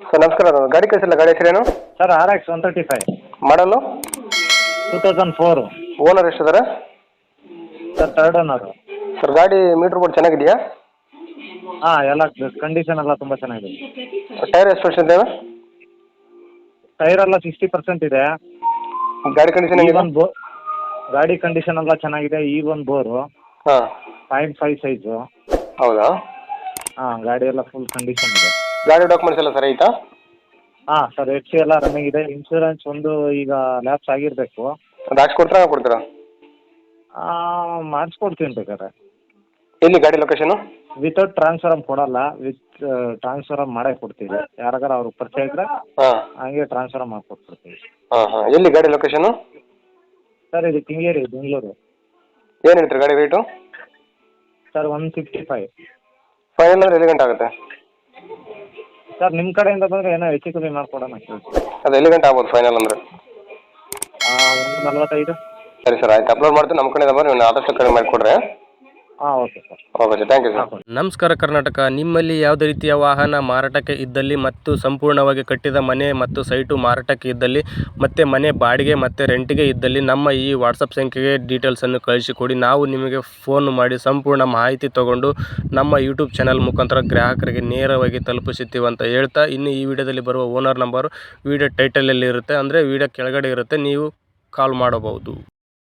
Sir ನಮಸ್ಕಾರ, ಅದು ಗಾಡಿ ಕಳಿಸಿಲ್ಲ, ಗಾಡಿ ಹೆಸರೇನು? ಸರ್ RX 135 ಮಾಡಲು 2004. ಓನರ್ ಎಷ್ಟಿದ್ದಾರೆ? Sir third owner. ಸರ್ ಗಾಡಿ ಮೀಟ್ರ್ ಬೋರ್ಡ್ ಚೆನ್ನಾಗಿದೆಯಾ? ಹಾಂ, ಎಲ್ಲ ಕಂಡೀಷನ್ ಎಲ್ಲ ತುಂಬ ಚೆನ್ನಾಗಿದೆ. ಟೈರ್ ಎಷ್ಟು ವರ್ಷ ಇದ್ದಾವೆ? ಟೈರ್ ಎಲ್ಲ 60% ಇದೆ. ಗಾಡಿ ಕಂಡೀಷನ್ ಈ ಹೆಂಗಿದೆ? ಒಂದು ಗಾಡಿ ಕಂಡೀಷನ್ ಎಲ್ಲ ಚೆನ್ನಾಗಿದೆ. ಈ ಒಂದು ಬೋರು ಹಾಂ 0.5 ಸೈಜು. ಹೌದಾ? ಹಾಂ, ಗಾಡಿ ಎಲ್ಲ ಫುಲ್ ಕಂಡೀಷನ್ ಇದೆ. ಗಾಡಿ ಡಾಕ್ಯುಮೆಂಟ್ಸ್ ಎಲ್ಲ ಸರಿ ಐತಾ? ಹಾಂ ಸರ್, FC ಎಲ್ಲ ರನ್ನಿಂಗ್ ಇದೆ. ಇನ್ಶೂರೆನ್ಸ್ ಒಂದು ಈಗ ಲ್ಯಾಪ್ಸ್ ಆಗಿರಬೇಕು. ಅದು ಹಾಕ್ಸ್ಕೊಡ್ತೀರಾ ಕೊಡ್ತೀರಾ? ಮಾಡಿಸ್ಕೊಡ್ತೀನಿ ಬೇಕಾದ್ರೆ. ಎಲ್ಲಿ ಗಾಡಿ ಲೊಕೇಶನು? ವಿತೌಟ್ ಟ್ರಾನ್ಸ್ಫರಮ್ ಕೊಡಲ್ಲ, ವಿತ್ ಟ್ರಾನ್ಸ್ಫರಮ್ ಮಾಡೇ ಕೊಡ್ತೀವಿ. ಯಾರಿಗಾರ ಅವ್ರಿಗೆ ಪರಿಚಯ ಇದ್ದರೆ ಹಾಂ ಹಂಗೆ ಟ್ರಾನ್ಸ್ಫರ್ ಮಾಡಿಕೊಟ್ಬಿಡ್ತೀವಿ. ಹಾಂ ಹಾಂ ಎಲ್ಲಿ ಗಾಡಿ ಲೊಕೇಶನು? ಸರ್ ಇದು ಕೆಂಗೇರಿ, ಬೆಂಗಳೂರು. ಏನು ಹೇಳ್ತೀರಿ ಗಾಡಿ ರೇಟು? ಸರ್ 155. ಫೈನಲ್ ಅಂದರೆ ಎಲ್ಲಿ ಗಂಟೆ ಆಗುತ್ತೆ? ಸರ್ ನಿಮ್ಮ ಕಡೆಯಿಂದ ಬಂದರೆ ಏನೋ ಹೆಚ್ಚು ಕಮ್ಮಿ ಮಾಡಿಕೊಡೋಣ ಕೇಳಿ. ಅದು ಎಲ್ಲಿ ಗಂಟೆ ಆಗ್ಬೋದು ಫೈನಲ್ ಅಂದರೆ? 145. ಸರಿ ಸರ್, ಆಯ್ತು, ಅಪ್ಲೋಡ್ ಮಾಡ್ತೀನಿ. ನಮ್ಮ ಕಡೆಯಿಂದ ಬಂದು ನೀವು ಆದಷ್ಟು ಕಡಿಮೆ ಮಾಡಿಕೊಡ್ರಿ. ಹಾಂ, okay sir. Okay sir, thank you sir. ನಮಸ್ಕಾರ ಕರ್ನಾಟಕ. ನಿಮ್ಮಲ್ಲಿ ಯಾವುದೇ ರೀತಿಯ ವಾಹನ ಮಾರಾಟಕ್ಕೆ ಇದ್ದಲ್ಲಿ ಮತ್ತು ಸಂಪೂರ್ಣವಾಗಿ ಕಟ್ಟಿದ ಮನೆ ಮತ್ತು ಸೈಟು ಮಾರಾಟಕ್ಕೆ ಇದ್ದಲ್ಲಿ ಮತ್ತು ಮನೆ ಬಾಡಿಗೆ ಮತ್ತು ರೆಂಟಿಗೆ ಇದ್ದಲ್ಲಿ ನಮ್ಮ ಈ ವಾಟ್ಸಪ್ ಸಂಖ್ಯೆಗೆ ಡೀಟೇಲ್ಸನ್ನು ಕಳಿಸಿಕೊಡಿ. ನಾವು ನಿಮಗೆ ಫೋನ್ ಮಾಡಿ ಸಂಪೂರ್ಣ ಮಾಹಿತಿ ತಗೊಂಡು ನಮ್ಮ ಯೂಟ್ಯೂಬ್ ಚಾನಲ್ ಮುಖಾಂತರ ಗ್ರಾಹಕರಿಗೆ ನೇರವಾಗಿ ತಲುಪಿಸುತ್ತೀವಿ ಅಂತ ಹೇಳ್ತಾ, ಇನ್ನು ಈ ವಿಡಿಯೋದಲ್ಲಿ ಬರುವ ಓನರ್ ನಂಬರು ವಿಡಿಯೋ ಟೈಟಲಲ್ಲಿ ಇರುತ್ತೆ, ಅಂದರೆ ವಿಡಿಯೋ ಕೆಳಗಡೆ ಇರುತ್ತೆ, ನೀವು ಕಾಲ್ ಮಾಡಬಹುದು.